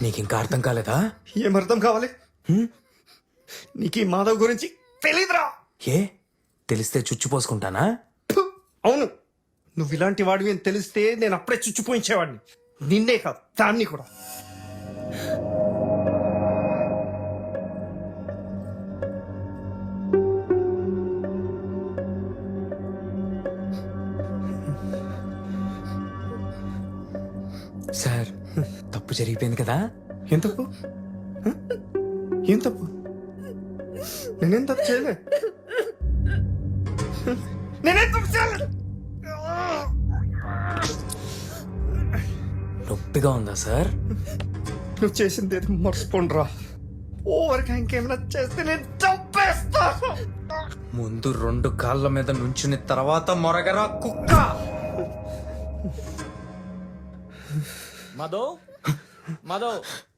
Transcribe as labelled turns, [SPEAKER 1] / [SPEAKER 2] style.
[SPEAKER 1] నీకింకా అర్థం కాలేదా?
[SPEAKER 2] ఏం అర్థం కావాలి? నీకు ఈ మాధవ్ గురించి తెలీదురా.
[SPEAKER 1] ఏ తెలిస్తే చుచ్చిపోసుకుంటానా?
[SPEAKER 2] అవును, నువ్వు ఇలాంటి వాడివి అని తెలిస్తే నేను అప్పుడే చుచ్చిపోయించేవాడిని. నిన్నే కాదు, దాన్ని కూడా.
[SPEAKER 1] సార్, తప్పు జరిగిపోయింది కదా.
[SPEAKER 2] ఏం తప్పు? హ? ఏం తప్పు? నేనేం తప్పు చేయలే. నేనేం తప్పు చేయలే.
[SPEAKER 1] నొప్పిగా ఉందా సార్?
[SPEAKER 2] నువ్వు చేసింది ఏది మర్చిపోండిరా. ఓవర్గా ఇంకేమైనా చేస్తే నేను చంపేస్తా.
[SPEAKER 1] ముందు 2 కాళ్ళ మీద నుంచుని తర్వాత మొరగరా కుక్క.
[SPEAKER 3] మాధవ్ మాధవ్